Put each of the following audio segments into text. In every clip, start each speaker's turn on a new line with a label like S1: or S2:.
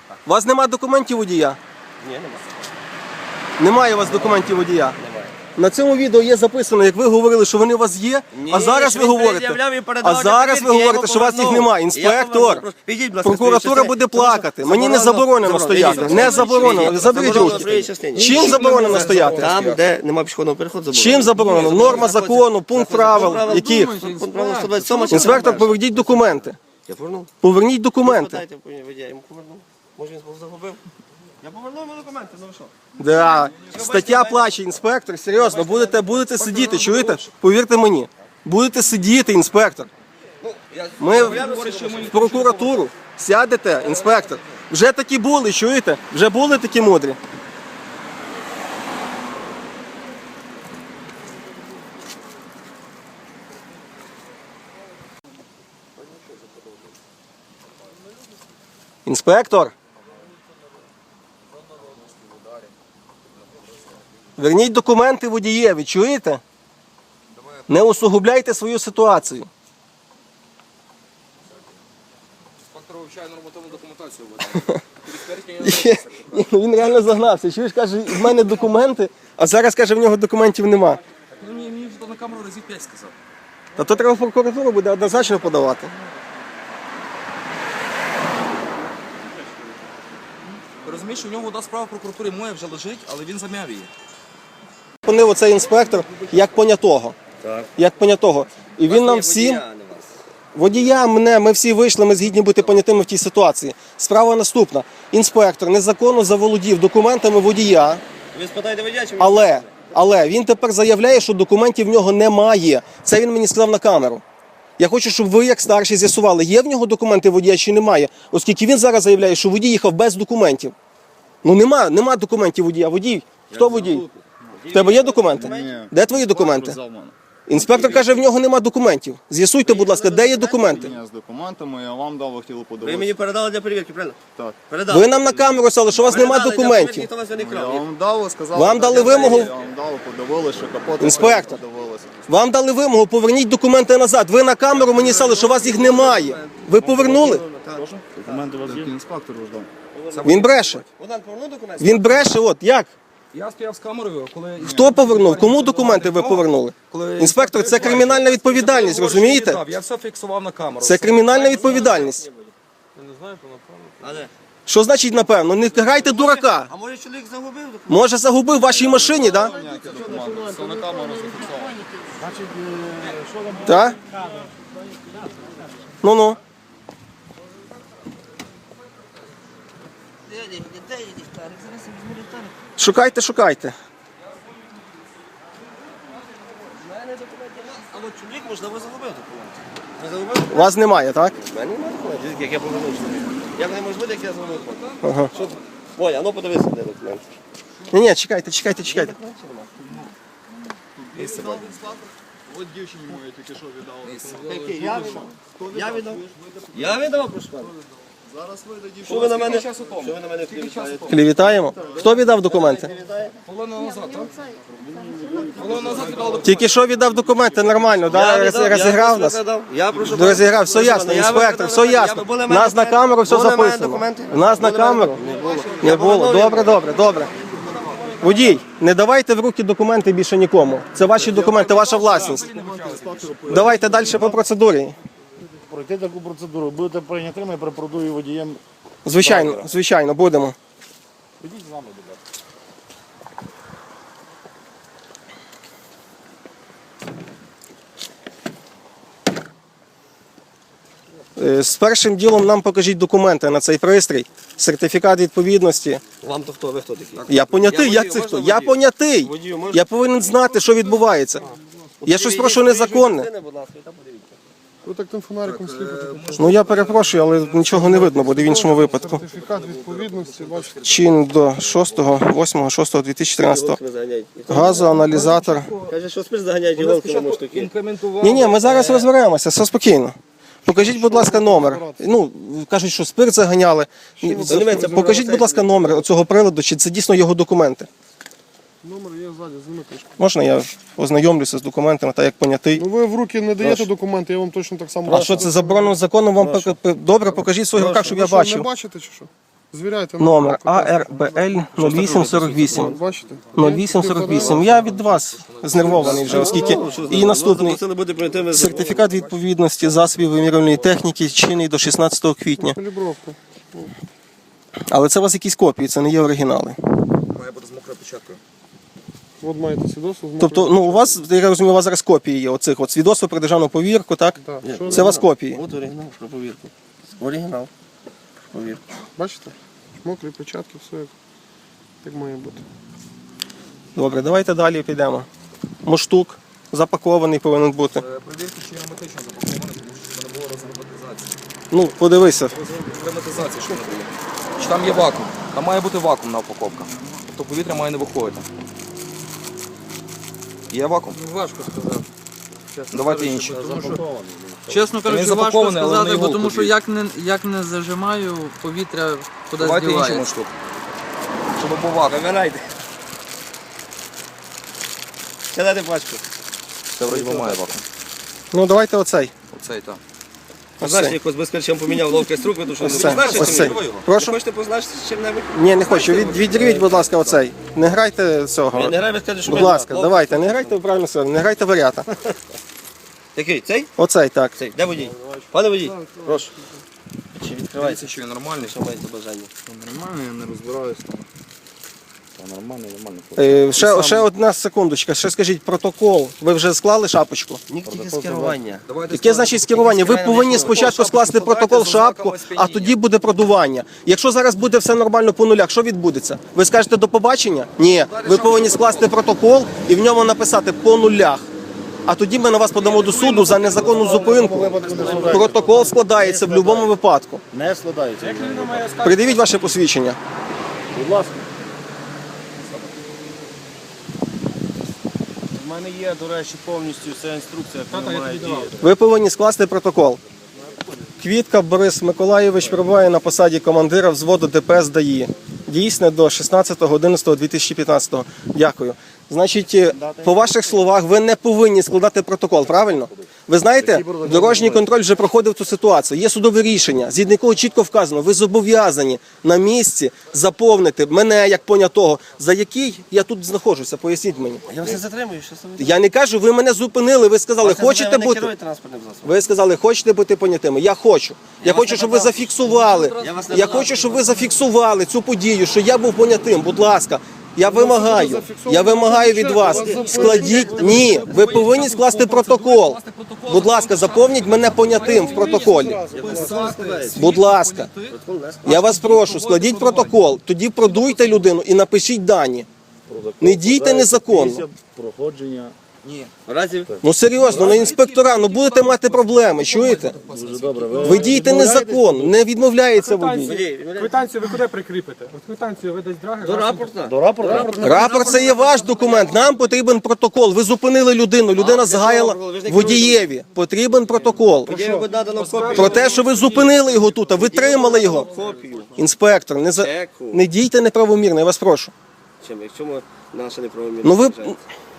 S1: У вас немає документів водія?
S2: Ні, немає.
S1: Немає у вас документів водія?
S2: Немає.
S1: На цьому відео є записано, як ви говорили, що вони у вас є, а зараз ви говорите, що у вас їх немає. Інспектор, прокуратура буде плакати. Мені не заборонено стояти. Не заборонено. Заберіть руки. Чим заборонено стояти?
S2: Там, де немає пішохідного переходу, заборонено.
S1: Чим заборонено? Норма закону, пункт правил, яких?
S2: Пункт правил 127.
S1: Інспектор, поверніть документи.
S2: Я повернув.
S1: Поверніть документи.
S2: Дайте, я йому повернув. Може він загубив? Я повернув йому документи, ну ви що?
S1: Да. Стаття плаче, інспектор, серйозно, будете сидіти, чуєте? Повірте мені. Будете сидіти, інспектор. Ми в прокуратуру сядете, інспектор. Вже такі були, чуєте? Вже були такі мудрі. Інспектор. Верніть документи водієві, чуєте? Не усугубляйте свою ситуацію.
S3: Інспектор вивчає нормативну документацію.
S1: Він реально загнався. Чуєш, каже, в мене документи, а зараз, каже, в нього документів нема.
S3: Ну мені вже на камеру разів 5 сказав.
S1: Та то треба в прокуратуру буде однозначно подавати.
S3: Ти розумієш, що в нього одна справа в прокуратурі моя вже лежить, але він зам'яв її.
S1: Понив оцей інспектор як понятого.
S2: Так.
S1: Як понятого. І він нам всім... Водія, ми всі вийшли, ми згідні бути понятими в тій ситуації. Справа наступна. Інспектор незаконно заволодів документами водія,
S2: Ви спитаєте водія, чи
S1: але він тепер заявляє, що документів в нього немає. Це він мені сказав на камеру. Я хочу, щоб ви, як старші, з'ясували, є в нього документи водія чи немає, оскільки він зараз заявляє, що водій їхав без документів. Ну нема документів водія. Водій? Хто водій? В тебе є документи?
S4: Ні.
S1: Де твої документи? Інспектор каже, в нього нема документів. З'ясуйте, будь ласка, де є документи?
S4: Ні, з документами я вам дав, ви хотіли
S2: Ви
S4: подивитися.
S2: мені передали для перевірки, правильно?
S4: Так.
S2: Передали.
S1: Ви нам на камеру сказали, що у вас нема
S2: Передали для
S1: документів.
S2: перевірки, ніхто вас не
S4: Я
S2: крав.
S4: вам дав, сказали.
S1: Вам дали вимогу?
S4: Я вам дав, подивилися, що капот.
S1: Інспектор.
S4: Подивилися.
S1: Вам дали вимогу, поверніть документи назад. Ви на камеру мені сказали, що у вас їх немає. Ви повернули?
S4: Документи у вас є? Інспектор ждав.
S1: Він бреше.
S2: Богдан, повернув документи?
S1: Він бреше, от як?
S3: Я стояв з камерою, коли...
S1: Хто повернув? Кому документи ви повернули? Інспектор, це кримінальна відповідальність, розумієте?
S3: Я все фіксував на камеру.
S1: Це кримінальна відповідальність.
S2: А де?
S1: Що значить, напевно? Не грайте дурака.
S2: А може чоловік загубив документи?
S1: Може загубив в вашій машині, так?
S4: Все на камеру зафіксовано.
S1: Так? Ну-ну. Шукайте, шукайте.
S2: А от чоловік, можливо, загубив документи. Не загубив?
S1: У вас немає, так?
S2: У мене немає документів, як я повернув чоловік. Як неможливо, як я загубив документи.
S1: Ага.
S2: Що ти? Ой, а ну подивися, де документи.
S1: Ні, чекайте.
S4: От дівчині моїй тільки що віддав.
S2: Я віддав. Я віддав, прошу пана.
S4: Зараз вийде дівчина.
S2: Що ви на мене? Що ви на мене клівітаєте?
S1: Клівітаємо. Хто віддав документи?
S3: Хвилину назад, так? Хвилину назад віддав
S1: Тільки що віддав документи, нормально, да? Розіграв нас?
S2: Я прошу.
S1: Розіграв, все ясно, інспектор, все ясно. У нас на камеру все записано. У нас на камеру? Не було. Добре. Водій, не давайте в руки документи більше нікому. Це ваші документи, ваша власність. Давайте далі по процедурі.
S5: Пройти таку процедуру. Будете прийнятими при продуві водієм.
S1: Звичайно, будемо.
S5: Ходіть з нами, будь ласка.
S1: З першим ділом нам покажіть документи на цей пристрій, сертифікат відповідності.
S2: Вам то хто? Ви хто такий?
S1: Я понятий,
S2: Я
S1: як це
S2: водію,
S1: хто?
S2: можна
S1: Я
S2: водію?
S1: понятий.
S2: Водію можна?
S1: Я повинен знати, що відбувається. Я щось прошу незаконне.
S2: Будь ласка, і там подивіться.
S5: Ви так тим фонариком сліпите.
S1: Ну я перепрошую, але нічого не видно буде в іншому випадку.
S5: Сертифікат відповідності, бачите.
S1: Чин до 6.08.2013.
S2: Ви заганяєте.
S1: Газоаналізатор.
S2: Каже, що спиш заганяєте голками штуки.
S3: інкрементував.
S1: Ні, ми зараз розберемося, все спокійно. Покажіть, будь ласка, номер. Ну, кажуть, що спирт заганяли. Покажіть, будь ласка, номер цього приладу, чи це дійсно його документи.
S5: Номер є ззаді, зніми кришку.
S1: Можна я ознайомлюся з документами, так як понятий.
S5: Ну ви в руки не даєте документи, я вам точно так само.
S1: А що це заборонено законом? Вам добре, покажіть в своїх руках, щоб я
S5: Ви що, не
S1: бачив.
S5: бачите чи що?
S6: Звіряйте.
S1: Номер АРБЛ 0848.
S6: Бачите?
S1: 0848. Я від вас знервований вже, оскільки і наступний
S2: Це не буде прийти
S1: сертифікат відповідності засобів вимірювальної техніки чинний до 16 квітня.
S6: Калібровка.
S1: Але це у вас якісь копії, це не є оригінали.
S3: Має бути з мокрою печаткою.
S6: От маєте свідоцтво.
S1: Тобто, ну у вас, я розумію, у вас зараз копії є оцих от свідоцтв про державну повірку, так?
S6: Так.
S1: Це у вас копії.
S2: От оригінал про повірку. Оригінал. Повірку.
S6: Бачите? Мокрі печатки, все як має бути.
S1: Добре, давайте далі підемо. Муштук запакований повинен бути.
S3: Перевірки, чи герметично запакований, тому що це не було розгерметизації.
S1: Ну, подивися.
S3: Герметизації, що не було. Чи там є вакуум? Там має бути вакуум на упаковках. Тобто повітря має не виходити. Є вакуум?
S7: Важко сказати.
S3: Давайте інші.
S7: Чесно
S3: Він
S7: кажучи, важко
S3: запакований, але
S7: сказати,
S3: не
S7: бо
S3: його
S7: тому що
S3: купіть.
S7: як не зажимаю, повітря кудись
S3: Давайте інший
S7: дівається.
S3: муштук. Щоб був вакуум.
S2: Вибирайте. Сядайте пачку.
S3: Це вроді би має вакуум.
S1: Ну, давайте оцей.
S3: Оцей, так.
S2: Позначте, якось без чим поміняв ловкість рук, тому що
S1: Ось
S2: не
S1: це.
S2: позначите
S1: Ось цей.
S2: чим-небудь?
S1: Прошу?
S2: Хочете позначити чим-небудь?
S1: Ні, не хочу. Відірвіть, будь ласка, оцей. Не грайте цього.
S2: Не грай, ви скажете, що
S1: Будь
S2: ми-
S1: ласка, давайте, не грайте правильно сказали, не грайте варіата.
S2: Який? Цей?
S1: Оцей, так.
S2: Цей. Де водій? Пане водій, прошу. Чи
S3: Дивіться,
S2: відкривається?
S3: що він нормальний.
S2: Що маєте бажання?
S5: Нормально, я не розбираюсь там. Та нормально.
S1: Ще одна секундочка, ще скажіть протокол. Ви вже склали шапочку?
S2: Тільки з керування.
S1: Яке значить скерування? Ви повинні спочатку скласти протокол шапку, а тоді буде продування. Якщо зараз буде все нормально по нулях, що відбудеться? Ви скажете до побачення? Ні. Ви повинні скласти протокол і в ньому написати по нулях. А тоді ми на вас подамо до суду за незаконну зупинку. Протокол складається в будь-якому випадку.
S5: Не складається.
S1: Придивіть ваше посвідчення.
S5: Будь ласка.
S8: У мене є, до речі, повністю вся інструкція, як вона має діяти.
S1: Ви повинні скласти протокол. Квітка Борис Миколайович перебуває на посаді командира взводу ДПС ДАІ. Дійсне до 16.11.2015. Дякую. Значить, по ваших словах, ви не повинні складати протокол, правильно? Ви знаєте, дорожній контроль вже проходив цю ситуацію. Є судове рішення, згідно якого чітко вказано, ви зобов'язані на місці заповнити мене як понятого, за який я тут знаходжуся. Поясніть мені.
S2: Я вас не затримую, що це ви?
S1: Я не кажу, ви мене зупинили, ви сказали, хочете
S2: Ви не
S1: бути...
S2: керуєте транспортним засобом.
S1: Ви сказали, хочете бути понятими? Я хочу. Я
S2: вас
S1: хочу,
S2: не
S1: щоб ви
S2: питав.
S1: зафіксували.
S2: Я вас не
S1: Я
S2: питав.
S1: хочу, щоб ви зафіксували цю подію, що я був понятим. Будь ласка. Я вимагаю від вас. Складіть. Ні, ви повинні скласти протокол. Будь ласка, заповніть мене понятим в протоколі. Будь ласка. Я вас прошу, складіть протокол, тоді продуйте людину і напишіть дані. Не дійте незаконно.
S5: Проходження.
S3: Ні.
S2: В разі
S1: Ну серйозно, на інспектора, ну будете мати проблеми, чуєте?
S5: Дуже добре.
S1: Ви дієте незаконно, не відмовляється водій.
S2: водій,
S9: Квитанцію ви куди прикріпите? От квитанцію видасть драгер.
S2: до рапорта.
S5: До рапорту?
S1: Рапорт це є ваш документ, нам потрібен протокол. Ви зупинили людину, людина згаяла водієві. Потрібен протокол.
S2: Є ви надано копію.
S1: Про те, що ви зупинили його тут, а ви тримали його.
S2: Копію.
S1: Інспектор, не дійте неправомірно, я вас прошу.
S2: Чим? Якщо ми наше неправомірне.
S1: Ну ви,
S2: вважаємо?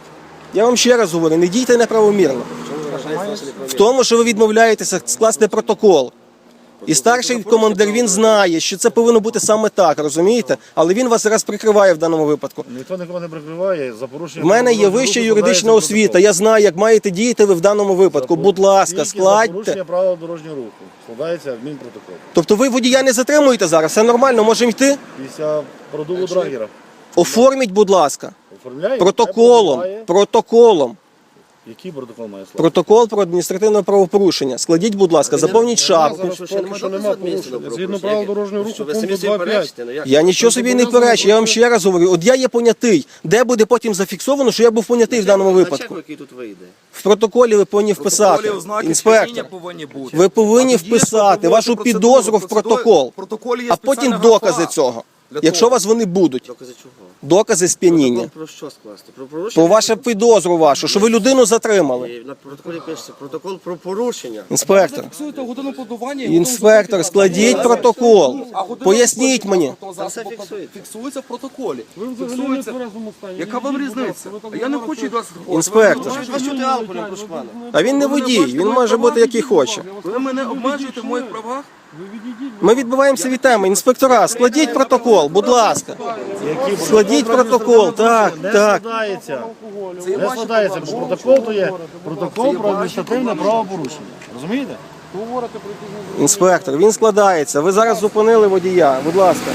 S1: я вам ще раз говорю, не дійте неправомірно.
S2: Чому ви вважаєте наше
S1: В
S2: неправомірне?
S1: тому, що ви відмовляєтеся скласти протокол. І старший командир, він знає, що це повинно бути саме так, розумієте? Але він вас зараз прикриває в даному випадку.
S5: Ніхто нікого не прикриває за порушення.
S1: В мене є вища юридична освіта, я знаю, як маєте діяти ви в даному випадку. Будь ласка,
S5: За
S1: складьте.
S5: порушення правил дорожнього руху. Складається адмінпротокол.
S1: Тобто ви водія не затримуєте зараз, все нормально, можемо йти?
S5: Після продуву драгера.
S1: Оформіть, будь ласка,
S5: Оформляє?
S1: протоколом,
S5: Хай
S1: протоколом.
S5: Який протокол має склад?
S1: Протокол про адміністративне правопорушення. Складіть, будь ласка, заповніть шапку.
S5: Що нема порушення. Згідно правил дорожнього руху,
S2: Що ви
S5: пункту
S2: самі собі
S5: 2.5.
S2: перечите? Ну як?
S1: Я нічого собі не перечу, я вам ще раз говорю, от я є понятий. Де буде потім зафіксовано, що я був понятий в даному
S2: На
S1: випадку?
S2: чеку, який тут вийде.
S1: В протоколі ви повинні вписати.
S3: Протоколі ознаки
S1: Інспектор,
S3: сп'яніння повинні бути.
S1: ви повинні
S3: А тоді є
S1: вписати
S3: проводити
S1: вашу
S3: процедуру.
S1: підозру в протокол.
S3: В протоколі є
S1: А потім
S3: спеціальна
S1: докази
S3: графа.
S1: цього.
S3: Для
S1: Якщо
S3: того.
S1: у вас вони будуть.
S2: Докази чого?
S1: Докази сп'яніння.
S2: Протокол про що скласти? Про порушення?
S1: Про вашу підозру вашу, що ви людину затримали.
S2: І на протоколі пишеться протокол про порушення.
S1: Інспектор.
S3: Фіксуєте годину подування. і
S1: Інспектор,
S3: потім
S1: складіть протокол.
S3: А година
S1: Поясніть мені.
S3: Зараз
S2: Це фіксується.
S3: фіксується в протоколі.
S6: Ви взагалі не в
S3: Фіксується.
S6: тверезому стані.
S3: Яка вам
S6: Відійдіть, будь
S3: різниця?
S6: ласка, ви так
S3: Я не
S6: говорите.
S3: хочу від вас.
S1: Інспектор.
S2: Ви чути алкоголь, прошу пана.
S1: А він не водій, він може бути який хоче.
S3: Ви мене обмежуєте в моїх правах.
S9: Ви відійдіть.
S1: Ми відбуваємося від теми. Інспектора, складіть протокол, будь ласка. Складіть протокол, так,
S5: Не
S1: так.
S5: складається. Не складається, бо протокол то є протокол про адміністративне правопорушення. Розумієте?
S1: Інспектор, він складається. Ви зараз зупинили водія, будь ласка.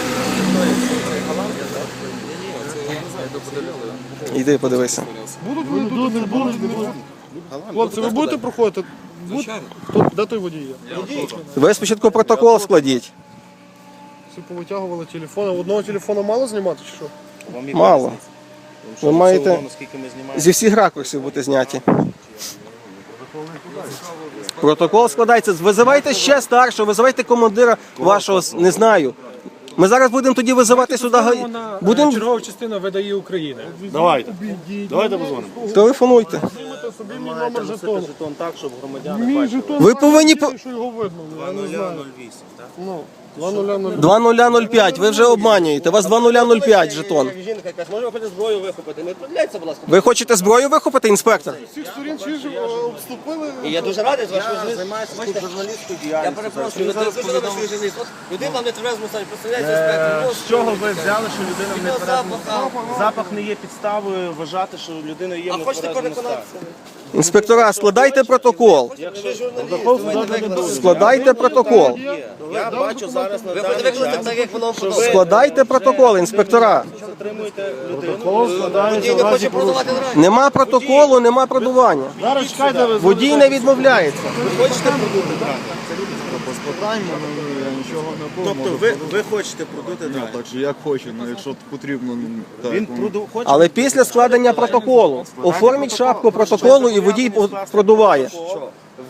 S1: Йди, подивися.
S6: Не будуть. Хлопці, ви будете проходити? Хто, де той водій є?
S1: Ви спочатку протокол складіть.
S6: Всі повитягували телефони. Одного телефону мало знімати чи що?
S1: Мало. Ви маєте
S8: Наскільки ми знімаємо.
S1: зі всіх ракурсів бути зняті. Протокол складається. Визивайте ще старшого, визивайте командира вашого, не знаю. Ми зараз будемо тоді визивати сюди. Будемо
S9: Чергова частина видає України.
S5: Давайте. Давайте позвонимо.
S1: телефонуйте.
S6: Знімете собі мій номер жетону.
S8: Жетон так, щоб громадяни
S6: Мій
S8: бачили.
S6: жетон.
S1: Ви повинні по-
S6: Що його видно, я не знаю.
S8: 2008, так?
S6: Ну, 2005.
S1: 2005, ви вже обманюєте. У вас 2005 жетон.
S2: Жінка якась, може ви зброю вихопити? Не відповідайте, будь ласка.
S1: Ви хочете зброю вихопити, інспектор?
S6: Всіх сторін чи ж обступили.
S2: І я дуже радий, що
S8: Я займаюся тут журналістською
S2: Я
S8: діяльністю.
S2: перепрошую, ви зараз свій журналіст. От людина в нетверезому стані, представляєте, інспектор.
S8: З чого ви взяли, що людина в
S2: Від
S8: нетверезому
S2: запаху.
S8: Запах не є підставою вважати, що людина є в
S2: А хочете
S8: нетверезому стані.
S2: переконатися?
S1: Інспектора, складайте протокол.
S2: Ви журналіст.
S1: Складайте протокол.
S8: Я бачу зараз на
S2: Ви
S8: даний
S2: викликали
S8: час,
S2: так, як воно подобається.
S1: Складайте протокол, інспектора.
S8: що затримуєте людину.
S2: Водій не хоче продавати драгер.
S1: Нема протоколу, нема продування.
S5: Зараз чекайте, ви
S1: Водій не відмовляється.
S8: Тобто ви хочете продути драгер.
S4: Так що як хоче, ну якщо потрібно, ну, так.
S8: Він хоче
S1: Але після складення протоколу оформіть шапку протоколу і водій продуває.
S8: що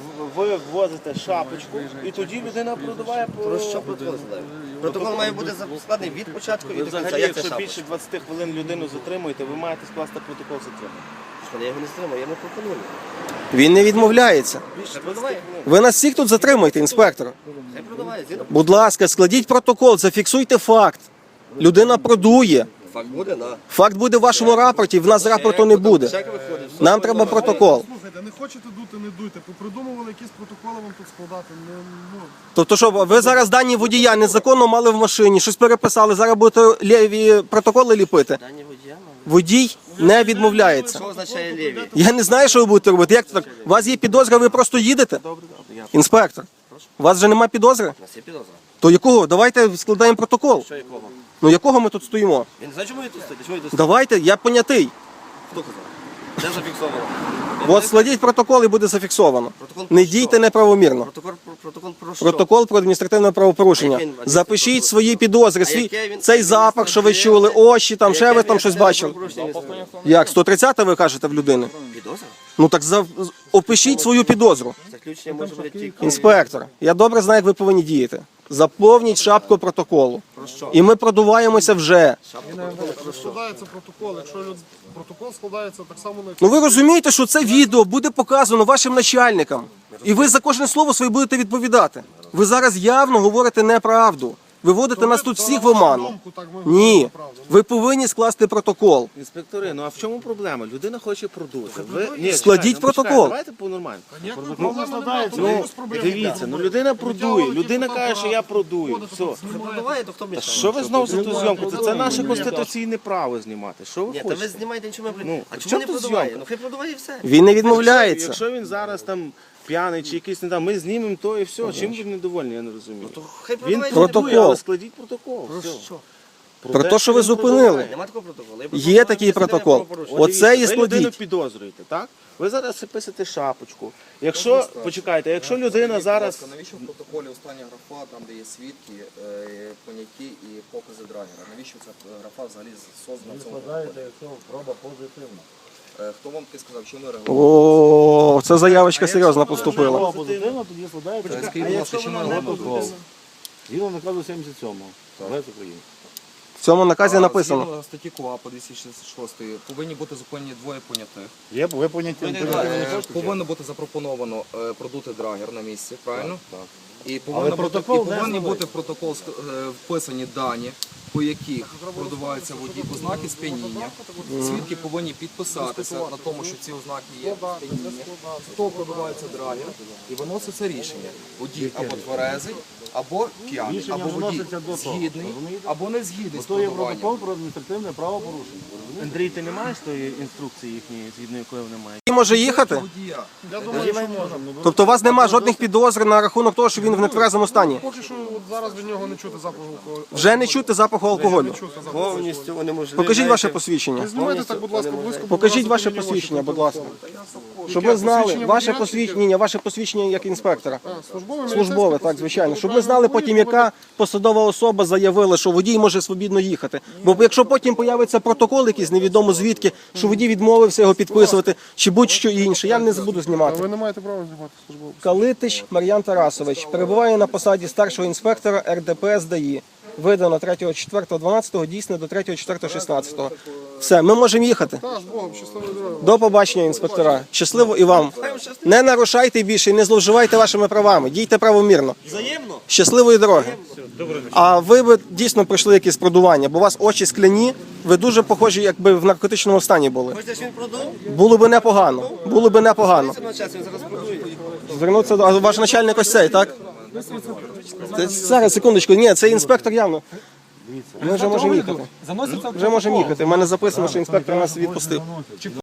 S8: ви ввозите шапочку, і тоді людина продуває по
S2: Що протокол складає? Протокол має бути складений від початку і
S8: Ви
S2: до кінця.
S8: взагалі,
S2: Як це
S8: якщо
S2: шапка?
S8: більше 20 хвилин людину затримуєте, ви маєте скласти протокол затримання.
S2: Я його не стримую, я не пропоную.
S1: Він не відмовляється.
S2: Хай продавай.
S1: Ви нас всіх тут затримуєте, інспектор.
S2: Хай продавай. Згідно.
S1: Будь ласка, складіть протокол, зафіксуйте факт. Людина продує.
S2: Факт буде, да.
S1: Факт буде в вашому рапорті, в нас рапорту не буде.
S2: Чек виходить. все
S1: Нам
S2: буде
S1: треба
S2: нормально.
S1: протокол.
S6: Слухайте, не хочете дути, не дуйте. Попридумували якісь протоколи вам тут складати. Ну,
S1: Тобто, що ви зараз дані водія незаконно мали в машині, щось переписали, зараз будете ліві протоколи ліпити.
S2: Дані водія, ну,
S1: Водій не відмовляється.
S2: що означає ліві?
S1: Я не знаю, що ви будете робити. Як це так? У вас є підозра, ви просто їдете? Інспектор, у вас вже нема підозри?
S2: У нас є підозра.
S1: То якого? Давайте складаємо протокол.
S2: Що якого?
S1: Ну якого ми тут стоїмо?
S2: Він не знає, чому ви тут стоїте? Чому ви тут стоїте?
S1: Давайте, я понятий.
S2: Хто казав? Де зафіксовано?
S1: От складіть протокол і буде зафіксовано.
S2: Протокол про
S1: Не
S2: що?
S1: дійте неправомірно.
S2: Протокол про що?
S1: Протокол про адміністративне правопорушення.
S2: Який він?
S1: Запишіть свої підозри, свій
S2: яке він?
S1: цей запах, що ви чули, очі, там ще ви там щось бачили. Як 130 ви кажете в людини?
S2: Підозра?
S1: Ну так опишіть свою підозру.
S2: Заключення може бути тільки.
S1: Інспектор, я добре знаю, як ви повинні діяти. Заповніть шапку протоколу. І ми продуваємося вже.
S6: складається протокол. Якщо протокол складається так само на
S1: Ну ви розумієте, що це відео буде показано вашим начальникам. І ви за кожне слово своє будете відповідати. Ви зараз явно говорите неправду. Ви вводите нас тут всіх в оману. Ні. Ви повинні скласти протокол.
S8: Інспектори, ну а в чому проблема? Людина хоче продути. Ви... Ні,
S1: Складіть
S8: чекайте,
S1: протокол.
S8: почекайте, давайте по-нормально.
S6: протокол не складається.
S8: Ну, дивіться, ну людина продує, людина каже, що я продую. Все.
S2: Продаває, то хто
S8: Та
S2: мішає?
S8: що ви знову за ту зйомку? Це наше конституційне право знімати. Що ви
S2: Ні, та ви
S8: хочете?
S2: знімаєте нічого.
S8: Ну,
S2: А
S8: в
S2: чому
S8: чому
S2: не
S8: тут
S2: продаває?
S8: зйомка?
S2: Ну хай продаває і все.
S1: Він не відмовляється.
S8: Якщо він зараз там п'яний чи якийсь не там, ми знімемо то і все. Чим ви недовольні, я не розумію.
S2: Хай
S8: Він
S2: продаває.
S1: Протокол.
S8: продує, але складіть протокол. Все.
S2: Що?
S1: Про те, що ви зупинили.
S2: Нема такого протоколу.
S1: Є такий протокол. Оце і
S8: Ви людину
S1: складіть.
S8: підозрюєте, так? Ви зараз писите шапочку. Якщо, почекайте, якщо людина зараз...
S3: Навіщо в протоколі остання графа, там де є свідки, поняті і покази драгера? Навіщо ця графа взагалі создана в цьому протоколі?
S5: якщо проба позитивна.
S3: Хто вам таки сказав, чим ви реагуєте?
S1: О, це заявочка серйозно поступила.
S5: Проба позитивна, тоді складається.
S3: Скажіть, будь ласка, чим ви реагуєте?
S5: Згідно наказу 77-го. Весь України.
S1: В цьому наказі написано.
S3: Згідно статті КУАП 266 повинні бути зупинені двоє понятих.
S5: Є, ви поняття.
S3: Повинно бути запропоновано продути драгер на місці, правильно?
S5: Так.
S3: І
S5: протокол не
S3: повинні
S5: складається.
S3: бути в протокол вписані дані по яких продуваються водій ознаки сп'яніння. Свідки повинні підписатися на тому, що ці ознаки є сп'яніння. Хто продувається драгер і виноситься рішення. Водій або тверезий, або п'яний,
S5: Рішення
S3: або водій
S5: виноситься до того,
S3: згідний,
S5: розумієте?
S3: або не згідний з
S5: То є
S3: продуванням.
S5: протокол про адміністративне правопорушення.
S8: Андрій, ти не маєш тої інструкції їхньої, згідно якої вони мають?
S1: Він може їхати?
S3: Водія.
S6: Я думаю, що можна.
S1: Тобто у вас немає жодних підозр на рахунок того, що він в нетверезому стані?
S6: Поки що от зараз від нього не чути запаху алкоголю.
S1: Вже не чути запаху алкоголю.
S2: Повністю унеможливляєте.
S1: Покажіть ваше посвідчення.
S6: Не знімайте так, будь ласка, близько.
S1: Покажіть ваше посвідчення, будь ласка. Щоб ми знали, ваше посвідчення як інспектора. Службове, так, звичайно. Щоб ми знали потім, яка посадова особа заявила, що водій може свобідно їхати. Бо якщо потім появиться протокол якийсь, невідомо звідки, що водій відмовився його підписувати, чи будь-що інше, я не буду знімати.
S6: Ви не маєте права знімати службову.
S1: Калитич Мар'ян Тарасович перебуває на посаді старшого інспектора РДПС ДАІ. Видано 3.4.12, дійсно до 3.4.16. Все, ми можемо їхати.
S6: Так, з Богом, щасливої дороги.
S1: До побачення, інспектора. Щасливо і вам. Не нарушайте більше і не зловживайте вашими правами. Дійте правомірно.
S2: Взаємно?
S1: Щасливої дороги. А ви б дійсно пройшли якісь продування, бо у вас очі скляні, ви дуже похожі, якби в наркотичному стані були.
S2: Хочете, щоб він продув?
S1: Було би непогано. Було би непогано.
S2: Це на час, він зараз продує.
S1: Звернутися до ваш начальник ось цей, так? Це, зараз, секундочку, ні, це інспектор явно. Ми вже можемо їхати. Вже можемо їхати. У мене записано, що інспектор нас відпустив.